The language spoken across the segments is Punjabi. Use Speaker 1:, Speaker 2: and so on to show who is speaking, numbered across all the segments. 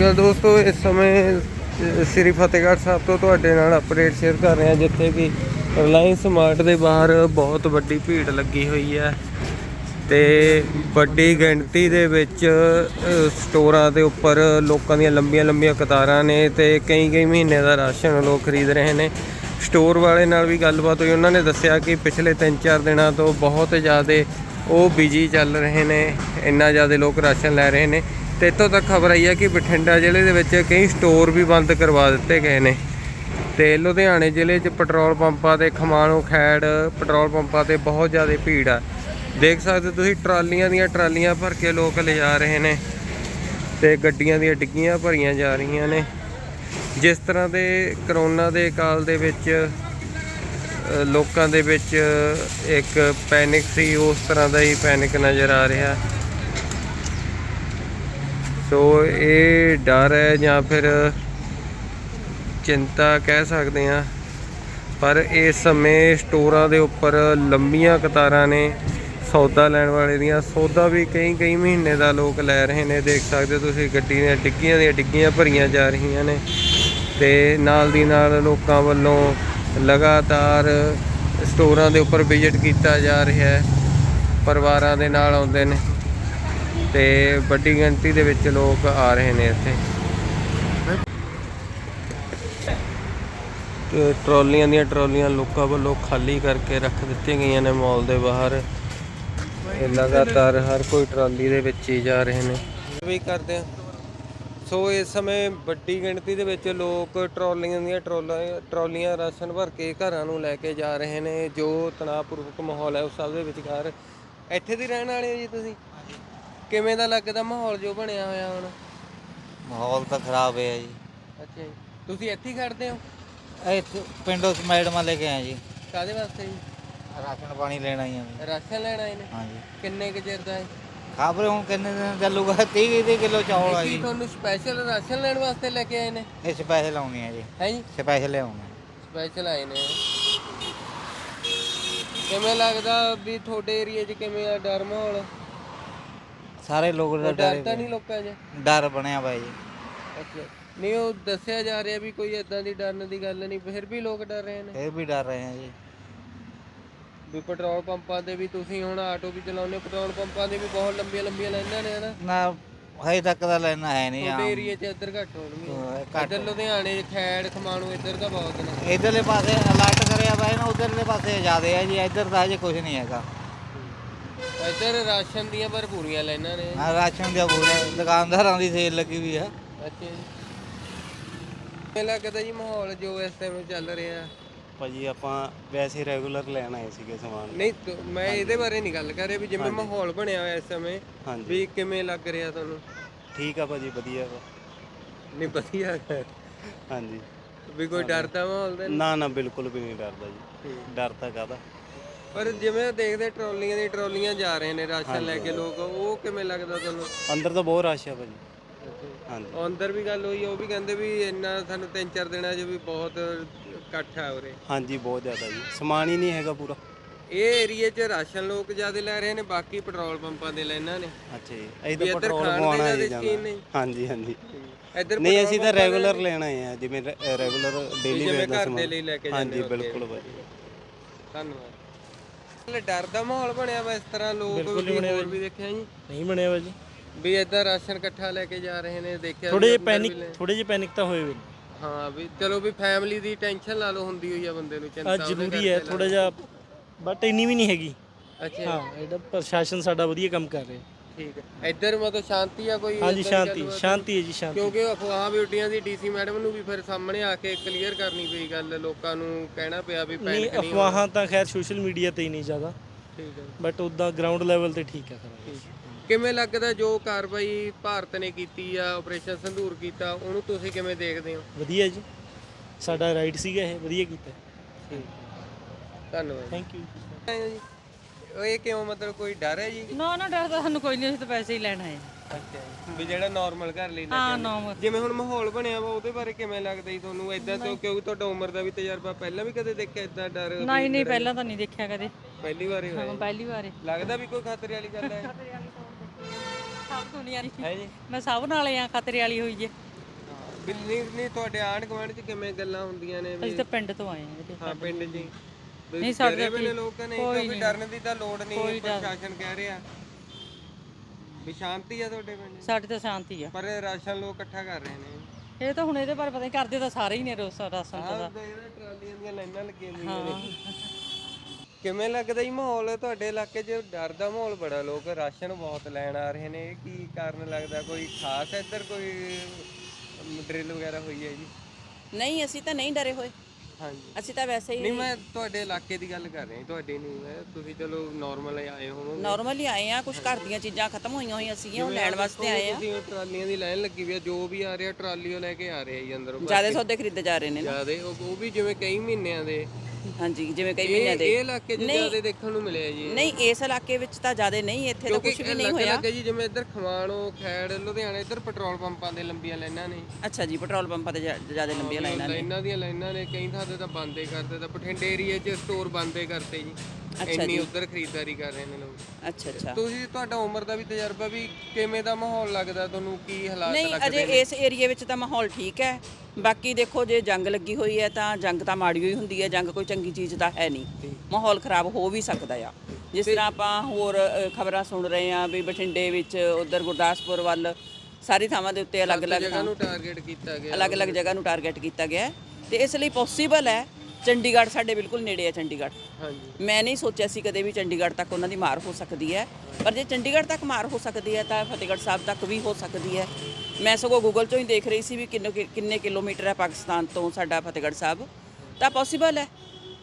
Speaker 1: ਦੋਸਤੋ ਇਸ ਸਮੇਂ ਸ੍ਰੀ ਫਤਿਹਗੜ੍ਹ ਸਾਹਿਬ ਤੋਂ ਤੁਹਾਡੇ ਨਾਲ ਅਪਡੇਟ ਸ਼ੇਅਰ ਕਰ ਰਹੇ ਹਾਂ, ਜਿੱਥੇ ਕਿ ਰਿਲਾਇੰਸ ਮਾਰਟ ਦੇ ਬਾਹਰ ਬਹੁਤ ਵੱਡੀ ਭੀੜ ਲੱਗੀ ਹੋਈ ਹੈ ਤੇ ਵੱਡੀ ਗਿਣਤੀ ਦੇ ਵਿੱਚ ਸਟੋਰਾਂ ਦੇ ਉੱਪਰ ਲੋਕਾਂ ਦੀਆਂ ਲੰਬੀਆਂ ਲੰਬੀਆਂ ਕਤਾਰਾਂ ਨੇ ਤੇ ਕਈ ਮਹੀਨੇ ਦਾ ਰਾਸ਼ਨ ਲੋਕ ਖਰੀਦ ਰਹੇ ਨੇ। ਸਟੋਰ ਵਾਲੇ ਨਾਲ ਵੀ ਗੱਲਬਾਤ ਹੋਈ, ਉਹਨਾਂ ਨੇ ਦੱਸਿਆ ਕਿ ਪਿਛਲੇ 3-4 ਦਿਨਾਂ ਤੋਂ ਬਹੁਤ ਜ਼ਿਆਦਾ ਉਹ ਬਿਜੀ ਚੱਲ ਰਹੇ ਨੇ, ਇੰਨਾ ਜ਼ਿਆਦਾ ਲੋਕ ਰਾਸ਼ਨ ਲੈ ਰਹੇ ਨੇ। ਤੇ ਇੱਥੋਂ ਤੱਕ ਖਬਰ ਆਈ ਹੈ ਕਿ ਬਠਿੰਡਾ ਜ਼ਿਲ੍ਹੇ ਦੇ ਵਿੱਚ ਕਈ ਸਟੋਰ ਵੀ ਬੰਦ ਕਰਵਾ ਦਿੱਤੇ ਗਏ ਨੇ ਤੇ ਲੁਧਿਆਣੇ ਜ਼ਿਲ੍ਹੇ 'ਚ ਪੈਟਰੋਲ ਪੰਪਾਂ ਤੇ ਖਮਾਣੋ ਖੈੜ ਪੈਟਰੋਲ ਪੰਪਾਂ ਤੇ ਬਹੁਤ ਜ਼ਿਆਦਾ ਭੀੜ ਆ। ਦੇਖ ਸਕਦੇ ਤੁਸੀਂ ਟਰਾਲੀਆਂ ਦੀਆਂ ਟਰਾਲੀਆਂ ਭਰ ਕੇ ਲੋਕ ਲਿਜਾ ਰਹੇ ਨੇ ਤੇ ਗੱਡੀਆਂ ਦੀਆਂ ਡਿੱਗੀਆਂ ਭਰੀਆਂ ਜਾ ਰਹੀਆਂ ਨੇ। ਜਿਸ ਤਰ੍ਹਾਂ ਦੇ ਕਰੋਨਾ ਦੇ ਕਾਲ ਦੇ ਵਿੱਚ ਲੋਕਾਂ ਦੇ ਵਿੱਚ ਇੱਕ ਪੈਨਿਕ ਸੀ, ਉਸ ਤਰ੍ਹਾਂ ਦਾ ਹੀ ਪੈਨਿਕ ਨਜ਼ਰ ਆ ਰਿਹਾ। ਸੋ ਇਹ ਡਰ ਹੈ ਜਾਂ ਫਿਰ ਚਿੰਤਾ ਕਹਿ ਸਕਦੇ ਹਾਂ, ਪਰ ਇਸ ਸਮੇਂ ਸਟੋਰਾਂ ਦੇ ਉੱਪਰ ਲੰਬੀਆਂ ਕਤਾਰਾਂ ਨੇ ਸੌਦਾ ਲੈਣ ਵਾਲੇ ਦੀਆਂ। ਸੌਦਾ ਵੀ ਕਈ ਮਹੀਨੇ ਦਾ ਲੋਕ ਲੈ ਰਹੇ ਨੇ। ਦੇਖ ਸਕਦੇ ਤੁਸੀਂ ਗੱਡੀ ਦੀਆਂ ਡਿੱਗੀਆਂ ਭਰੀਆਂ ਜਾ ਰਹੀਆਂ ਨੇ ਤੇ ਨਾਲ ਦੀ ਨਾਲ ਲੋਕਾਂ ਵੱਲੋਂ ਲਗਾਤਾਰ ਸਟੋਰਾਂ ਦੇ ਉੱਪਰ ਵਿਜ਼ਿਟ ਕੀਤਾ ਜਾ ਰਿਹਾ ਹੈ। ਪਰਿਵਾਰਾਂ ਦੇ ਨਾਲ ਆਉਂਦੇ ਨੇ ਤੇ ਵੱਡੀ ਗਿਣਤੀ ਦੇ ਵਿੱਚ ਲੋਕ ਆ ਰਹੇ ਨੇ ਇੱਥੇ। ਤੇ ਟਰਾਲੀਆਂ ਦੀਆਂ ਟਰਾਲੀਆਂ ਲੋਕਾਂ ਵੱਲੋਂ ਖਾਲੀ ਕਰਕੇ ਰੱਖ ਦਿੱਤੀਆਂ ਗਈਆਂ ਨੇ ਮਾਲ ਦੇ ਬਾਹਰ। ਲਗਾਤਾਰ ਹਰ ਕੋਈ ਟਰਾਲੀ ਦੇ ਵਿੱਚ ਹੀ ਜਾ ਰਹੇ ਨੇ ਵੀ ਕਰਦੇ ਆ। ਸੋ ਇਸ ਸਮੇਂ ਵੱਡੀ ਗਿਣਤੀ ਦੇ ਵਿੱਚ ਲੋਕ ਟਰਾਲੀਆਂ ਦੀਆਂ ਟਰਾਲੀਆਂ ਰਾਸ਼ਨ ਭਰ ਕੇ ਘਰਾਂ ਨੂੰ ਲੈ ਕੇ ਜਾ ਰਹੇ ਨੇ। ਜੋ ਤਣਾਅਪੂਰਵਕ ਮਾਹੌਲ ਹੈ ਉਸ ਸਭ ਦੇ ਵਿਚਕਾਰ ਇੱਥੇ ਦੇ ਰਹਿਣ ਵਾਲੇ ਹੋ ਜੀ ਤੁਸੀਂ? ਕਿਵੇਂ ਦਾ ਲੱਗਦਾ ਮਾਹੌਲ ਜੋ ਬਣਿਆ ਹੋਇਆ ਹੁਣ?
Speaker 2: ਮਾਹੌਲ ਤਾਂ ਖਰਾਬ ਹੈ ਜੀ।
Speaker 1: ਅੱਛਾ ਜੀ, ਤੁਸੀਂ ਇੱਥੇ ਹੀ ਖੜਦੇ ਹੋ?
Speaker 2: ਇੱਥੇ ਪਿੰਡੋਂ ਮੈਡਮਾਂ ਲੈ ਕੇ ਆਏ ਜੀ।
Speaker 1: ਕਾਹਦੇ ਵਾਸਤੇ ਜੀ?
Speaker 2: ਰਾਸ਼ਨ ਪਾਣੀ ਲੈਣ ਆਈ ਆ।
Speaker 1: ਰਾਸ਼ਨ ਲੈਣ ਆਏ ਨੇ?
Speaker 2: ਹਾਂਜੀ।
Speaker 1: ਕਿੰਨੇ ਕੁ ਚਿਰ ਦਾ ਹੈ?
Speaker 2: ਖਬਰ ਹੁਣ ਕਿੰਨੇ ਦਿਨ ਚੱਲੂਗਾ? 30 ਕਿਲੋ ਚੌਲ ਆ ਜੀ।
Speaker 1: ਤੁਹਾਨੂੰ ਸਪੈਸ਼ਲ ਰਾਸ਼ਨ ਲੈਣ ਵਾਸਤੇ ਲੈ ਕੇ ਆਏ ਨੇ?
Speaker 2: ਇਹ ਸਪੈਸ਼ਲ ਆਉਣੀ ਆ ਜੀ।
Speaker 1: ਹੈ ਜੀ,
Speaker 2: ਸਪੈਸ਼ਲ ਲਿਆਉਣਾ।
Speaker 1: ਸਪੈਸ਼ਲ ਆਏ ਨੇ। ਕਿਵੇਂ ਲੱਗਦਾ ਵੀ ਤੁਹਾਡੇ ਏਰੀਆ 'ਚ ਕਿਵੇਂ ਆ ਡਰ ਮਾਹੌਲ?
Speaker 2: ਸਾਰੇ ਲੋਕ ਦਾ
Speaker 1: ਡਰ ਤਾਂ ਨਹੀਂ ਲੋਕਾਂ 'ਚ?
Speaker 2: ਡਰ ਬਣਿਆ ਵਾ ਜੀ।
Speaker 1: ਅੱਛਾ, ਨਹੀਂ ਉਹ ਦੱਸਿਆ ਜਾ ਰਿਹਾ ਵੀ ਕੋਈ ਇਦਾਂ ਦੀ ਡਰਨ ਦੀ ਗੱਲ ਨਹੀਂ, ਫਿਰ ਵੀ ਲੋਕ ਡਰ ਰਹੇ ਨੇ।
Speaker 2: ਫਿਰ ਵੀ ਡਰ ਰਹੇ ਆ ਜੀ।
Speaker 1: ਵੀ ਪੈਟਰੋਲ ਪੰਪਾਂ ਦੇ ਵੀ ਤੁਸੀਂ ਹੁਣ ਆਟੋ ਵੀ ਚਲਾਉਂਦੇ, ਪੈਟਰੋਲ ਪੰਪਾਂ ਦੇ ਵੀ ਬਹੁਤ ਲੰਬੀਆਂ ਲਾਈਨਾਂ ਨੇ ਹਨਾ?
Speaker 2: ਨਾ ਹਜੇ ਤੱਕ ਤਾਂ ਲੈਣਾ ਹੈ ਨਹੀਂ।
Speaker 1: ਤੁਹਾਡੇ ਏਰੀਆ 'ਚ ਇੱਧਰ ਘੱਟ ਹੋਣਗੀਆਂ। ਇੱਧਰ ਲੁਧਿਆਣੇ ਖੈੜ ਖਮਾਣੋ ਇੱਧਰ ਤਾਂ ਬਹੁਤ ਨੇ।
Speaker 2: ਇੱਧਰਲੇ ਪਾਸੇ ਅਲਰਟ ਕਰਿਆ ਵਾ ਨਾ, ਉਧਰਲੇ ਪਾਸੇ ਜ਼ਿਆਦੇ ਆ ਜੀ। ਇੱਧਰ ਤਾਂ ਹਜੇ ਕੁਝ ਨਹੀਂ ਹੈਗਾ।
Speaker 1: ਇੱਧਰ ਰਾਸ਼ਨ ਦੀਆਂ ਭਰਪੂਰੀਆਂ ਲਾਈਨਾਂ ਨੇ।
Speaker 2: ਹਾਂ, ਰਾਸ਼ਨ ਦੀਆਂ ਪੂਰੀਆਂ ਦੁਕਾਨਦਾਰਾਂ ਦੀ ਸੇਲ ਲੱਗੀ ਵੀ ਆ।
Speaker 1: ਅੱਛਾ ਜੀ, ਕਿਵੇਂ ਲੱਗਦਾ ਜੀ ਮਾਹੌਲ ਜੋ ਇਸ ਟਾਈਮ ਚੱਲ ਰਿਹਾ?
Speaker 3: ਭਾਜੀ ਆਪਾਂ ਵੈਸੇ ਰੈਗੂਲਰ ਲੈਣ ਆਏ ਸੀਗੇ ਸਮਾਨ।
Speaker 1: ਨਹੀਂ ਮੈਂ ਇਹਦੇ ਬਾਰੇ ਨਹੀਂ ਗੱਲ ਕਰ ਰਿਹਾ ਵੀ ਜਿਵੇਂ ਮਾਹੌਲ ਬਣਿਆ ਹੋਇਆ ਇਸ ਸਮੇਂ, ਵੀ ਕਿਵੇਂ ਲੱਗ ਰਿਹਾ ਤੁਹਾਨੂੰ?
Speaker 3: ਠੀਕ ਆ ਭਾਜੀ, ਵਧੀਆ ਵਾ।
Speaker 1: ਨਹੀਂ ਵਧੀਆ
Speaker 3: ਹਾਂਜੀ,
Speaker 1: ਵੀ ਕੋਈ ਡਰਦਾ ਮਾਹੌਲ ਦਾ?
Speaker 3: ਨਾ ਬਿਲਕੁਲ ਵੀ ਨਹੀਂ ਡਰਦਾ ਜੀ। ਡਰ ਤਾਂ ਕਾਹਦਾ।
Speaker 1: ਪਰ ਜਿਵੇਂ ਦੇਖਦੇ ਟਰਾਲੀਆਂ ਜਾ ਰਹੇ ਨੇ ਰਾਸ਼ਨ ਲੈ ਕੇ ਲੋਕ, ਉਹ ਕਿਵੇਂ ਲੱਗਦਾ ਤੁਹਾਨੂੰ?
Speaker 3: ਅੰਦਰ ਤਾਂ ਬਹੁਤ ਰਸ਼ ਆ ਭਾਜੀ। ਹਾਂਜੀ,
Speaker 1: ਅੰਦਰ ਵੀ ਗੱਲ ਹੋਈ, ਉਹ ਵੀ ਕਹਿੰਦੇ ਵੀ ਇੰਨਾ ਸਾਨੂੰ 3-4 ਦਿਨਾਂ 'ਚ ਵੀ ਬਹੁਤ ਇਕੱਠ ਆ ਉਰੇ।
Speaker 3: ਹਾਂਜੀ ਬਹੁਤ ਜ਼ਿਆਦਾ ਜੀ, ਸਮਾਨ ਹੀ ਨਹੀਂ ਹੈਗਾ ਪੂਰਾ।
Speaker 1: ਇਹ ਏਰੀਏ 'ਚ ਰਾਸ਼ਨ ਲੋਕ ਜ਼ਿਆਦਾ ਲੈ ਰਹੇ ਨੇ, ਬਾਕੀ ਪੈਟਰੋਲ ਪੰਪਾਂ ਦੇ ਲਾਈਨਾਂ ਨੇ।
Speaker 3: ਅੱਛਾ ਜੀ, ਅਸੀਂ ਤਾਂ ਪੈਟਰੋਲ ਪਵਾਉਣਾ ਹੈ ਜਾਣਾ। ਹਾਂਜੀ
Speaker 1: ਇੱਧਰ
Speaker 3: ਨਹੀਂ, ਅਸੀਂ ਤਾਂ ਰੈਗੂਲਰ ਲੈਣ ਆਏ ਆ, ਜਿਵੇਂ ਰੈਗੂਲਰ ਡੇਲੀ ਵੇਅਰ ਦਾ
Speaker 1: ਘਰ ਦੇ ਲਈ ਲੈ ਕੇ ਜਾਂਦੇ।
Speaker 3: ਹਾਂਜੀ ਬਿਲਕੁਲ ਭਾਜੀ,
Speaker 1: ਧੰਨਵਾਦ। ਡਰ ਦਾ ਮਾਹੌਲ ਬਣਿਆ ਵਾ ਇਸ ਤਰ੍ਹਾਂ? ਲੋਕ ਹੋਰ ਵੀ ਦੇਖਿਆ ਜੀ?
Speaker 4: ਨਹੀਂ ਬਣਿਆ ਵਾ ਜੀ।
Speaker 1: ਵੀ ਇੱਦਾਂ ਰਾਸ਼ਨ ਇਕੱਠਾ ਲੈ ਕੇ ਜਾ ਰਹੇ ਨੇ, ਦੇਖਿਆ?
Speaker 4: ਥੋੜੇ ਜਿਹੇ ਪੈਨਿਕ ਤਾਂ ਹੋਏ ਵੇ।
Speaker 1: ਹਾਂ ਵੀ ਚਲੋ ਵੀ ਫੈਮਿਲੀ ਦੀ ਟੈਨਸ਼ਨ ਲਾ ਲਓ, ਹੁੰਦੀ ਹੋਈ ਆ ਬੰਦੇ ਨੂੰ, ਚਿੰਤਾ
Speaker 4: ਜ਼ਰੂਰੀ ਹੈ ਥੋੜਾ ਜਿਹਾ, ਬਟ ਇੰਨੀ ਵੀ ਨਹੀਂ ਹੈਗੀ।
Speaker 1: ਅੱਛਾ
Speaker 4: ਹਾਂ, ਇਹਦਾ ਪ੍ਰਸ਼ਾਸਨ ਸਾਡਾ ਵਧੀਆ ਕੰਮ ਕਰ ਰਿਹਾ।
Speaker 1: ਠੀਕ ਹੈ। ਇੱਧਰ ਮਤਲਬ ਸ਼ਾਂਤੀ ਆ ਕੋਈ?
Speaker 4: ਹਾਂਜੀ ਸ਼ਾਂਤੀ ਹੈ ਜੀ, ਸ਼ਾਂਤੀ।
Speaker 1: ਕਿਉਂਕਿ ਅਫਵਾਹ ਵੀ ਉੱਡੀਆਂ ਸੀ, ਡੀਸੀ ਮੈਡਮ ਨੂੰ ਵੀ ਫਿਰ ਸਾਹਮਣੇ ਆ ਕੇ ਕਲੀਅਰ ਕਰਨੀ ਪਈ ਗੱਲ, ਲੋਕਾਂ ਨੂੰ ਕਹਿਣਾ ਪਿਆ ਵੀ
Speaker 4: ਨਹੀਂ, ਅਫਵਾਹਾਂ ਤਾਂ ਖੈਰ ਸੋਸ਼ਲ ਮੀਡੀਆ ਤੇ ਹੀ ਨਹੀਂ ਜ਼ਿਆਦਾ।
Speaker 1: ਠੀਕ ਹੈ,
Speaker 4: ਬਟ ਉੱਦਾਂ ਗਰਾਊਂਡ ਲੈਵਲ ਤੇ ਠੀਕ ਹੈ।
Speaker 1: ਕਿਵੇਂ ਲੱਗਦਾ ਜੋ ਕਾਰਵਾਈ ਭਾਰਤ ਨੇ ਕੀਤੀ ਆ, ਆਪਰੇਸ਼ਨ ਸੰਧੂਰ ਕੀਤਾ, ਉਹਨੂੰ ਤੁਸੀਂ ਕਿਵੇਂ ਦੇਖਦੇ ਹੋ?
Speaker 4: ਵਧੀਆ ਜੀ, ਸਾਡਾ ਰਾਈਟ ਸੀਗਾ ਇਹ, ਵਧੀਆ ਕੀਤਾ।
Speaker 1: ਧੰਨਵਾਦ,
Speaker 4: ਥੈਂਕ ਯੂ।
Speaker 1: ਇਹ ਕਿਉਂ, ਮਤਲਬ ਕੋਈ ਡਰ ਹੈ ਜੀ?
Speaker 5: ਨਾ ਡਰ ਤਾਂ ਸਾਨੂੰ ਕੋਈ ਨਹੀਂ, ਅਸੀਂ ਤਾਂ ਪੈਸੇ ਹੀ ਲੈਣ ਆਏ।
Speaker 1: ਅੱਛਾ, ਵੀ ਜਿਹੜਾ ਨਾਰਮਲ ਘਰ ਲਈ
Speaker 5: ਹਾਂ ਨਾਰਮਲ।
Speaker 1: ਜਿਵੇਂ ਹੁਣ ਮਾਹੌਲ ਬਣਿਆ ਵਾ, ਉਹਦੇ ਬਾਰੇ ਕਿਵੇਂ ਲੱਗਦਾ ਜੀ ਤੁਹਾਨੂੰ? ਇਦਾਂ ਤੋਂ ਕਿਉਂਕਿ ਤੁਹਾਡਾ ਉਮਰ ਦਾ ਵੀ ਤਜਰਬਾ, ਪਹਿਲਾਂ ਵੀ ਕਦੇ ਦੇਖਿਆ ਇਦਾਂ ਡਰ?
Speaker 5: ਨਹੀਂ ਪਹਿਲਾਂ ਤਾਂ ਨਹੀਂ ਦੇਖਿਆ ਕਦੇ।
Speaker 1: ਪਹਿਲੀ ਵਾਰ ਹੀ ਹੋਇਆ?
Speaker 5: ਪਹਿਲੀ ਵਾਰ।
Speaker 1: ਲੱਗਦਾ ਵੀ ਕੋਈ ਖਤਰੇ ਵਾਲੀ ਗੱਲ ਹੈ?
Speaker 5: ਸਭ ਦੁਨੀਆ ਦੀ
Speaker 1: ਹੈ ਜੀ,
Speaker 5: ਮੈਂ ਸਭ ਨਾਲ ਆ, ਖਤਰੇ ਵਾਲੀ ਹੋਈ ਜੇ।
Speaker 1: ਨਹੀਂ ਤੁਹਾਡੇ ਆਂਢ ਗੁਆਂਢ 'ਚ ਕਿਵੇਂ ਗੱਲਾਂ ਹੁੰਦੀਆਂ ਨੇ
Speaker 5: ਅਸੀਂ ਤਾਂ ਪਿੰਡ ਤੋਂ ਆਏ ਹਾਂ ਵੀਰੇ।
Speaker 1: ਹਾਂ ਪਿੰਡ 'ਚ ਹੀ
Speaker 5: ਨਹੀਂ ਸਾਡੇ
Speaker 1: ਡਰੇ ਵੇਲੇ
Speaker 5: ਠੀਕ-
Speaker 1: ਲੋਕ ਨਹੀਂ
Speaker 5: ਕੋਈ
Speaker 1: ਕਿਉਂਕਿ
Speaker 5: ਨਹੀਂ।
Speaker 1: ਡਰਨ ਦੀ ਤਾਂ ਲੋੜ ਨਹੀਂ
Speaker 5: ਕੋਈ ਡਰ-
Speaker 1: ਪ੍ਰਸ਼ਾਸਨ ਕਹਿ ਰਿਹਾ ਵੀ ਸ਼ਾਂਤੀ ਆ ਤੁਹਾਡੇ ਪਿੰਡ 'ਚ।
Speaker 5: ਸਾਡੇ ਤਾਂ ਸ਼ਾਂਤੀ ਆ।
Speaker 1: ਪਰ ਰਾਸ਼ਨ ਲੋਕ ਇਕੱਠਾ ਕਰ ਰਹੇ ਨੇ
Speaker 5: ਇਹ ਤਾਂ ਹੁਣ ਇਹਦੇ ਬਾਰੇ ਪਤਾ ਨਹੀਂ, ਕਰਦੇ ਤਾਂ ਸਾਰੇ ਹੀ ਨੇ ਰਾਸ਼ਨ
Speaker 1: ਆਹ
Speaker 5: ਦਾ।
Speaker 1: ਟਰਾਲੀਆਂ ਦੀਆਂ ਲਾਈਨਾਂ ਲੱਗੀਆਂ ਹੋਈਆਂ ਨੇ। ਕਿਵੇਂ ਲੱਗਦਾ ਜੀ ਮਾਹੌਲ ਤੁਹਾਡੇ ਇਲਾਕੇ 'ਚ? ਡਰ ਦਾ ਮਾਹੌਲ ਬੜਾ, ਲੋਕ ਰਾਸ਼ਨ ਬਹੁਤ ਲੈਣ ਆ ਰਹੇ ਨੇ, ਇਹ ਕੀ ਕਾਰਨ ਲੱਗਦਾ? ਕੋਈ ਖਾਸ ਇੱਧਰ ਕੋਈ ਡਰਿਲ ਵਗੈਰਾ ਹੋਈ ਹੈ ਜੀ?
Speaker 6: ਨਹੀਂ ਅਸੀਂ ਤਾਂ ਨਹੀਂ ਡਰੇ ਹੋਏ,
Speaker 1: ਹਾਂਜੀ
Speaker 6: ਅਸੀਂ ਤਾਂ ਵੈਸੇ
Speaker 1: ਨਹੀਂ
Speaker 6: ਹੀ
Speaker 1: ਮੈਂ ਤੁਹਾਡੇ ਇਲਾਕੇ ਦੀ ਗੱਲ ਕਰ ਰਿਹਾ ਜੀ, ਤੁਹਾਡੇ ਨਹੀਂ। ਮੈਂ ਤੁਸੀਂ ਚਲੋ ਨਾਰਮਲ ਆਏ ਹੋਵੋਗੇ।
Speaker 6: ਨਾਰਮਲੀ ਆਏ ਆ, ਕੁਝ ਘਰ ਦੀਆਂ ਚੀਜ਼ਾਂ ਖਤਮ ਹੋਈਆਂ ਹੋਈਆਂ ਸੀਗੀਆਂ, ਉਹ ਲੈਣ ਵਾਸਤੇ ਆਏ ਆ।
Speaker 1: ਤੁਸੀਂ ਟਰਾਲੀਆਂ ਦੀ ਲਾਈਨ ਲੱਗੀ ਵੀ ਆ, ਜੋ ਵੀ ਆ ਰਿਹਾ ਟਰਾਲੀ ਉਹ ਲੈ ਕੇ ਆ ਰਿਹਾ ਜੀ ਅੰਦਰੋਂ।
Speaker 6: ਜਿਆਦਾ ਸੌਦੇ ਖਰੀਦੇ ਜਾ ਰਹੇ ਨੇ ਨਾ।
Speaker 1: ਜਿਆਦੇ ਉਹ ਵੀ ਜਿਵੇਂ ਕਈ ਮਹੀਨਿਆਂ ਦੇ।
Speaker 6: ਹਾਂਜੀ, ਜਿਵੇਂ ਕਈ ਮਹੀਨਿਆਂ
Speaker 1: ਇਹ
Speaker 6: ਦੇ।
Speaker 1: ਇਲਾਕੇ 'ਚ ਜਿਆਦੇ ਦੇਖਣ ਨੂੰ ਮਿਲਿਆ ਜੀ।
Speaker 6: ਨਹੀਂ ਇਸ ਇਲਾਕੇ ਵਿੱਚ ਤਾਂ ਜਿਆਦਾ ਨਹੀਂ, ਇੱਥੇ ਤਾਂ ਕੁਝ ਵੀ ਨਹੀਂ ਹੋਇਆ।
Speaker 1: ਲੱਗੇ ਜੀ ਜਿਵੇਂ ਇੱਧਰ ਖਮਾਣੋ ਖੈੜ ਲੁਧਿਆਣਾ ਇੱਧਰ ਪੈਟਰੋਲ ਪੰਪਾਂ ਦੇ ਲੰਬੀਆਂ ਲਾਈਨਾਂ ਨੇ।
Speaker 6: ਅੱਛਾ ਜੀ, ਪੈਟਰੋਲ ਪੰਪਾਂ ਤੇ ਜਿਆਦਾ ਲੰਬੀਆਂ ਲਾਈਨਾਂ ਨੇ।
Speaker 1: ਲਾਈਨਾਂ ਦੀਆਂ ਲਾਈਨਾਂ ਨੇ, ਕਈ ਥਾਂ ਤੇ ਤਾਂ ਬੰਦੇ ਕਰਦੇ, ਤਾਂ ਬਠਿੰਡੇ ਏਰੀਆ 'ਚ ਸਟੋਰ ਬੰਦੇ ਕਰਤੇ ਜੀ। ਇੰਨੀ ਉੱਧਰ ਖਰੀਦਦਾਰੀ ਕਰ ਰਹੇ ਨੇ ਲੋਕ।
Speaker 6: ਅੱਛਾ ਅੱਛਾ।
Speaker 1: ਤੁਸੀਂ ਤੁਹਾਡਾ ਉਮਰ ਦਾ ਵੀ ਤਜਰਬਾ, ਵੀ ਕਿਵੇਂ ਦਾ ਮਾਹੌਲ ਲੱਗਦਾ ਤੁਹਾਨੂੰ? ਕੀ ਹਾਲਾਤ
Speaker 6: ਨਹੀਂ
Speaker 1: ਲੱਗਦੇ
Speaker 6: ਅਜੇ
Speaker 1: ਨੇ?
Speaker 6: ਇਸ ਏਰੀਆ ਵਿੱਚ ਤਾਂ ਮਾਹੌਲ ਠੀਕ ਹੈ। ਬਾਕੀ ਦੇਖੋ ਜੇ ਜੰਗ ਲੱਗੀ ਹੋਈ ਹੈ ਤਾਂ ਜੰਗ ਤਾਂ ਮਾੜੀ ਹੋਈ ਹੁੰਦੀ ਹੈ, ਜੰਗ ਕੋਈ ਚੰਗੀ ਚੀਜ਼ ਤਾਂ ਹੈ ਨਹੀਂ। ਮਾਹੌਲ ਖਰਾਬ ਹੋ ਵੀ ਸਕਦਾ ਆ, ਜਿਸ ਤਰ੍ਹਾਂ ਆਪਾਂ ਹੋਰ ਖਬਰਾਂ ਸੁਣ ਰਹੇ ਆ ਵੀ ਬਠਿੰਡੇ ਵਿੱਚ, ਉਧਰ ਗੁਰਦਾਸਪੁਰ ਵੱਲ, ਸਾਰੀ ਥਾਵਾਂ ਦੇ ਉੱਤੇ ਅਲੱਗ-ਅਲੱਗ
Speaker 1: ਜਗ੍ਹਾ ਨੂੰ ਟਾਰਗੇਟ ਕੀਤਾ ਗਿਆ।
Speaker 6: ਅਲੱਗ-ਅਲੱਗ ਜਗ੍ਹਾ ਨੂੰ ਟਾਰਗੇਟ ਕੀਤਾ ਗਿਆ ਹੈ। ਤੇ ਇਸ ਲਈ ਪੋਸੀਬਲ ਹੈ, ਚੰਡੀਗੜ੍ਹ ਸਾਡੇ ਬਿਲਕੁਲ ਨੇੜੇ ਹੈ ਚੰਡੀਗੜ੍ਹ।
Speaker 1: ਹਾਂਜੀ
Speaker 6: ਮੈਂ ਨਹੀਂ ਸੋਚਿਆ ਸੀ ਕਦੇ ਵੀ ਚੰਡੀਗੜ੍ਹ ਤੱਕ ਉਹਨਾਂ ਦੀ ਮਾਰ ਹੋ ਸਕਦੀ ਹੈ, ਪਰ ਜੇ ਚੰਡੀਗੜ੍ਹ ਤੱਕ ਮਾਰ ਹੋ ਸਕਦੀ ਹੈ ਤਾਂ ਫਤਿਹਗੜ੍ਹ ਸਾਹਿਬ ਤੱਕ ਵੀ ਹੋ ਸਕਦੀ ਹੈ। ਮੈਂ ਸਗੋਂ ਗੂਗਲ 'ਚੋਂ ਹੀ ਦੇਖ ਰਹੀ ਸੀ ਵੀ ਕਿੰਨੇ ਕਿਲੋਮੀਟਰ ਹੈ ਪਾਕਿਸਤਾਨ ਤੋਂ ਸਾਡਾ ਫਤਿਹਗੜ੍ਹ ਸਾਹਿਬ, ਤਾਂ ਪੋਸੀਬਲ ਹੈ,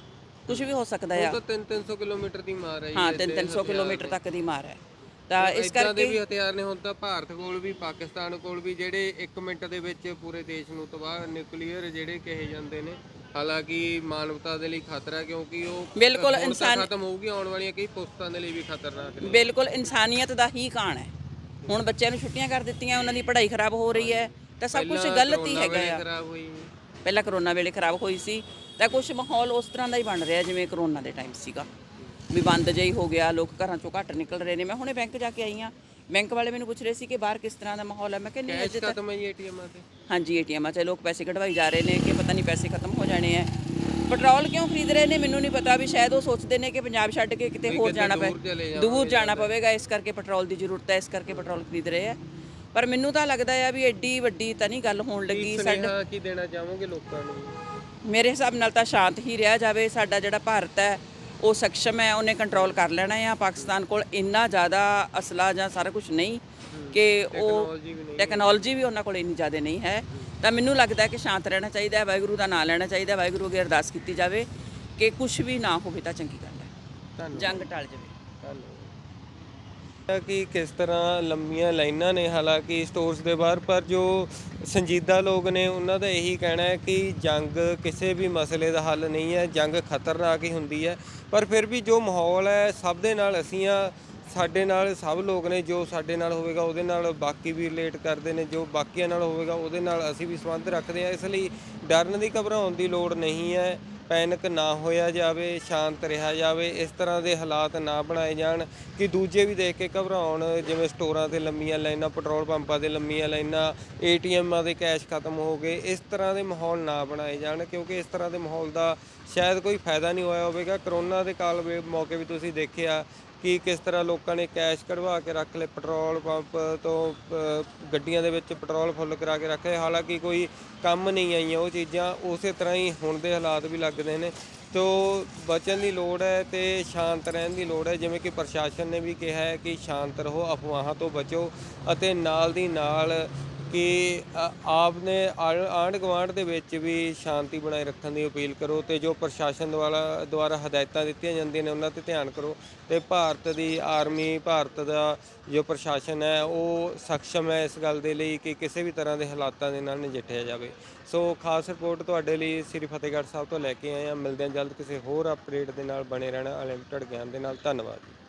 Speaker 6: ਕੁਝ ਵੀ ਹੋ ਸਕਦਾ ਆ।
Speaker 1: ਉਹ ਤਾਂ 300 ਕਿਲੋਮੀਟਰ ਦੀ ਮਾਰ ਹੈ ਜੀ।
Speaker 6: ਹਾਂ 300 ਕਿਲੋਮੀਟਰ ਤੱਕ ਦੀ ਮਾਰ ਹੈ, ਤਾਂ ਇਸ
Speaker 1: ਇੱਦਾਂ ਦੇ ਵੀ
Speaker 6: ਕਰਕੇ
Speaker 1: ਹਥਿਆਰ ਨੇ ਹੁਣ ਤਾਂ ਭਾਰਤ ਕੋਲ ਵੀ, ਪਾਕਿਸਤਾਨ ਕੋਲ ਵੀ, ਜਿਹੜੇ 1 ਮਿੰਟ ਦੇ ਵਿੱਚ ਪੂਰੇ ਦੇਸ਼ ਨੂੰ ਤਬਾਹ, ਨਿਊਕਲੀਅਰ ਜਿਹੜੇ ਕਹੇ ਜਾਂਦੇ ਨੇ। ਹਾਲਾਂਕਿ ਮਾਨਵਤਾ ਦੇ ਲਈ ਖਤਰਾ, ਕਿਉਂਕਿ ਉਹ
Speaker 6: ਬਿਲਕੁਲ
Speaker 1: ਹੁਣ ਤਾਂ ਖਤਮ ਹੋਊਗੀ, ਆਉਣ ਵਾਲੀਆਂ ਕਈ ਪੁਸਤਾਂ ਦੇ ਲਈ ਵੀ ਖਤਰਨਾਕ ਨੇ।
Speaker 6: ਬਿਲਕੁਲ ਇਨਸਾਨੀਅਤ ਦਾ ਹੀ ਕਾਣ ਹੈ। ਹੁਣ ਬੱਚਿਆਂ ਨੂੰ ਛੁੱਟੀਆਂ ਕਰ ਦਿੱਤੀਆਂ, ਉਹਨਾਂ ਦੀ ਪੜ੍ਹਾਈ ਖਰਾਬ ਹੋ ਰਹੀ ਹੈ, ਤਾਂ ਸਭ ਕੁਝ ਗਲਤ ਹੀ ਹੈਗਾ ਆ।
Speaker 1: ਖਰਾਬ ਹੋਈ।
Speaker 6: ਪਹਿਲਾਂ ਕਰੋਨਾ ਵੇਲੇ ਖਰਾਬ ਹੋਈ ਸੀ, ਤਾਂ ਕੁਝ ਮਾਹੌਲ ਉਸ ਤਰ੍ਹਾਂ ਦਾ ਹੀ ਬਣ ਰਿਹਾ ਜਿਵੇਂ ਕਰੋਨਾ ਦੇ ਟਾਈਮ ਸੀਗਾ, ਵੀ ਬੰਦ ਜਿਹਾ ਹੀ ਹੋ ਗਿਆ, ਲੋਕ ਘਰਾਂ ਚੋਂ ਘੱਟ ਨਿਕਲ ਰਹੇ ਨੇ। ਮੈਂ ਹੁਣੇ ਬੈਂਕ ਜਾ ਕੇ ਆਈ ਹਾਂ, ਬੈਂਕ ਵਾਲੇ ਮੈਨੂੰ ਪੁੱਛ ਰਹੇ ਸੀ ਕਿ ਬਾਹਰ ਕਿਸ ਤਰ੍ਹਾਂ ਦਾ ਮਾਹੌਲ ਹੈ। ਮੈਂ ਕਿਹਾ ਨਹੀਂ
Speaker 1: ਕੈਸ਼
Speaker 6: ਅਜੇ ਤਾਂ
Speaker 1: ਖਤਮ ਹੈ ਜੀ ਏਟੀਐਮਾਂ ਤੇ।
Speaker 6: ਹਾਂਜੀ ਏਟੀਐਮਾਂ 'ਚ ਲੋਕ ਪੈਸੇ ਕਢਵਾਈ ਜਾ ਰਹੇ ਨੇ ਕਿ ਪਤਾ ਨਹੀਂ ਪੈਸੇ ਖਤਮ ਹੋ ਜਾਣੇ ਹੈ। ਪੈਟਰੋਲ ਕਿਉਂ ਖਰੀਦ ਰਹੇ ਨੇ ਮੈਨੂੰ ਨਹੀਂ ਪਤਾ, ਵੀ ਸ਼ਾਇਦ ਉਹ ਸੋਚਦੇ ਨੇ ਕਿ ਪੰਜਾਬ ਛੱਡ ਕੇ ਕਿਤੇ ਹੋਰ ਜਾਣਾ ਦੂਰ ਜਾਣਾ ਪਵੇਗਾ, ਇਸ ਕਰਕੇ ਪੈਟਰੋਲ ਦੀ ਜ਼ਰੂਰਤ ਹੈ, ਇਸ ਕਰਕੇ ਪੈਟਰੋਲ ਖਰੀਦ ਰਹੇ ਆ। ਪਰ ਮੈਨੂੰ ਤਾਂ ਲੱਗਦਾ ਆ ਵੀ ਐਡੀ ਵੱਡੀ ਤਾਂ ਨਹੀਂ ਗੱਲ ਹੋਣ ਲੱਗੀ।
Speaker 1: ਸਾਡਾ ਕੀ ਦੇਣਾ ਚਾਹੋਗੇ ਲੋਕਾਂ ਨੂੰ?
Speaker 6: ਮੇਰੇ ਹਿਸਾਬ ਨਾਲ ਤਾਂ ਸ਼ਾਂਤ ਹੀ ਰਿਹਾ ਜਾਵੇ। ਸਾਡਾ ਜਿਹੜਾ ਭਾਰਤ ਹੈ ਉਹ ਸક્ષਮ ਹੈ, ਉਹਨੇ ਕੰਟਰੋਲ ਕਰ ਲੈਣਾ ਆ। ਪਾਕਿਸਤਾਨ ਕੋਲ ਇੰਨਾ ਜ਼ਿਆਦਾ ਅਸਲਾ ਜਾਂ ਸਾਰਾ ਕੁਝ ਨਹੀਂ ਕਿ ਉਹ ਟੈਕਨੋਲੋਜੀ ਵੀ ਉਹਨਾਂ ਕੋਲ ਇੰਨੀ ਜ਼ਿਆਦਾ ਨਹੀਂ ਹੈ। ਤਾਂ ਮੈਨੂੰ ਲੱਗਦਾ ਕਿ ਸ਼ਾਂਤ ਰਹਿਣਾ ਚਾਹੀਦਾ ਹੈ, ਵਾਹਿਗੁਰੂ ਦਾ ਨਾਮ ਲੈਣਾ ਚਾਹੀਦਾ, ਵਾਹਿਗੁਰੂ ਅੱਗੇ ਅਰਦਾਸ ਕੀਤੀ ਜਾਵੇ ਕਿ ਕੁਝ ਵੀ ਨਾ ਹੋਵੇ ਤਾਂ ਚੰਗੀ ਗੱਲ ਹੈ, ਜੰਗ ਟਲ ਜਾਵੇ।
Speaker 1: ਕਿ ਕਿਸ ਤਰ੍ਹਾਂ ਲੰਮੀਆਂ ਲਾਈਨਾਂ ਨੇ ਹਾਲਾਂਕਿ ਸਟੋਰਸ ਦੇ ਬਾਹਰ, ਪਰ ਜੋ ਸੰਜੀਦਾ ਲੋਕ ਨੇ ਉਹਨਾਂ ਦਾ ਇਹੀ ਕਹਿਣਾ ਹੈ ਕਿ ਜੰਗ ਕਿਸੇ ਵੀ ਮਸਲੇ ਦਾ ਹੱਲ ਨਹੀਂ ਹੈ, ਜੰਗ ਖਤਰਨਾਕ ਹੀ ਹੁੰਦੀ ਹੈ। ਪਰ ਫਿਰ ਵੀ ਜੋ ਮਾਹੌਲ ਹੈ ਸਭ ਦੇ ਨਾਲ ਅਸੀਂ ਆ, ਸਾਡੇ ਨਾਲ ਸਭ ਲੋਕ ਨੇ, ਜੋ ਸਾਡੇ ਨਾਲ ਹੋਵੇਗਾ ਉਹਦੇ ਨਾਲ ਬਾਕੀ ਵੀ ਰਿਲੇਟ ਕਰਦੇ ਨੇ, ਜੋ ਬਾਕੀਆਂ ਨਾਲ ਹੋਵੇਗਾ ਉਹਦੇ ਨਾਲ ਅਸੀਂ ਵੀ ਸੰਬੰਧ ਰੱਖਦੇ ਹਾਂ। ਇਸ ਲਈ ਡਰਨ ਦੀ, ਘਬਰਾਉਣ ਦੀ ਲੋੜ ਨਹੀਂ ਹੈ। ਪੈਨਿਕ ਨਾ ਹੋਇਆ ਜਾਵੇ, ਸ਼ਾਂਤ ਰਿਹਾ ਜਾਵੇ, ਇਸ ਤਰ੍ਹਾਂ ਦੇ ਹਾਲਾਤ ਨਾ ਬਣਾਏ ਜਾਣ ਕਿ ਦੂਜੇ ਵੀ ਦੇਖ ਕੇ ਘਬਰਾਉਣ। ਜਿਵੇਂ ਸਟੋਰਾਂ 'ਤੇ ਲੰਮੀਆਂ ਲਾਈਨਾਂ, ਪੈਟਰੋਲ ਪੰਪਾਂ 'ਤੇ ਲੰਮੀਆਂ ਲਾਈਨਾਂ, ਏਟੀਐਮਾਂ ਦੇ ਕੈਸ਼ ਖਤਮ ਹੋ ਗਏ, ਇਸ ਤਰ੍ਹਾਂ ਦੇ ਮਾਹੌਲ ਨਾ ਬਣਾਏ ਜਾਣ, ਕਿਉਂਕਿ ਇਸ ਤਰ੍ਹਾਂ ਦੇ ਮਾਹੌਲ ਦਾ ਸ਼ਾਇਦ ਕੋਈ ਫਾਇਦਾ ਨਹੀਂ ਹੋਇਆ ਹੋਵੇਗਾ। ਕਰੋਨਾ ਦੇ ਕਾਲ ਮੌਕੇ ਵੀ ਤੁਸੀਂ ਦੇਖਿਆ ਕਿ ਕਿਸ ਤਰ੍ਹਾਂ ਲੋਕਾਂ ਨੇ ਕੈਸ਼ ਕਢਵਾ ਕੇ ਰੱਖ ਲਏ, ਪੈਟਰੋਲ ਪੰਪ ਤੋਂ ਗੱਡੀਆਂ ਦੇ ਵਿੱਚ ਪੈਟਰੋਲ ਫੁੱਲ ਕਰਾ ਕੇ ਰੱਖੇ। ਹਾਲਾਂਕਿ ਕੋਈ ਕੰਮ ਨਹੀਂ ਆਈਆਂ ਉਹ ਚੀਜ਼ਾਂ, ਉਸੇ ਤਰ੍ਹਾਂ ਹੀ ਹੁਣ ਦੇ ਹਾਲਾਤ ਵੀ ਲੱਗਦੇ ਨੇ। ਤੋ ਬਚਣ ਦੀ ਲੋੜ ਹੈ ਤੇ ਸ਼ਾਂਤ ਰਹਿਣ ਦੀ ਲੋੜ ਹੈ। ਜਿਵੇਂ ਕਿ ਪ੍ਰਸ਼ਾਸਨ ਨੇ ਵੀ ਕਿਹਾ ਹੈ ਕਿ ਸ਼ਾਂਤ ਰਹੋ, ਅਫਵਾਹਾਂ ਤੋਂ ਬਚੋ, ਅਤੇ ਨਾਲ ਦੀ ਨਾਲ ਕਿ ਆਪ ਨੇ ਆਂਢ ਗੁਆਂਢ ਦੇ ਵਿੱਚ ਵੀ ਸ਼ਾਂਤੀ ਬਣਾਏ ਰੱਖਣ ਦੀ ਅਪੀਲ ਕਰੋ, ਤੇ ਜੋ ਪ੍ਰਸ਼ਾਸਨ ਦੁਆਰਾ ਹਦਾਇਤਾਂ ਦਿੱਤੀਆਂ ਜਾਂਦੀਆਂ ਨੇ ਉਹਨਾਂ 'ਤੇ ਧਿਆਨ ਕਰੋ। ਤੇ ਭਾਰਤ ਦੀ ਆਰਮੀ, ਭਾਰਤ ਦਾ ਜੋ ਪ੍ਰਸ਼ਾਸਨ ਹੈ ਉਹ ਸક્ષਮ ਹੈ ਇਸ ਗੱਲ ਦੇ ਲਈ ਕਿ ਕਿਸੇ ਵੀ ਤਰ੍ਹਾਂ ਦੇ ਹਾਲਾਤਾਂ ਦੇ ਨਾਲ ਨਜਿੱਠਿਆ ਜਾਵੇ। ਸੋ ਖਾਸ ਰਿਪੋਰਟ ਤੁਹਾਡੇ ਲਈ ਸ੍ਰੀ ਫਤਿਹਗੜ੍ਹ ਸਾਹਿਬ ਤੋਂ ਲੈ ਕੇ ਆਏ ਹਾਂ। ਮਿਲਦੇ ਹਾਂ ਜਲਦ ਕਿਸੇ ਹੋਰ ਅਪਡੇਟ ਦੇ ਨਾਲ। ਬਣੇ ਰਹਿਣਾ ਅਨਲਿਮਟਿਡ ਗਿਆਨ ਦੇ ਨਾਲ। ਧੰਨਵਾਦ।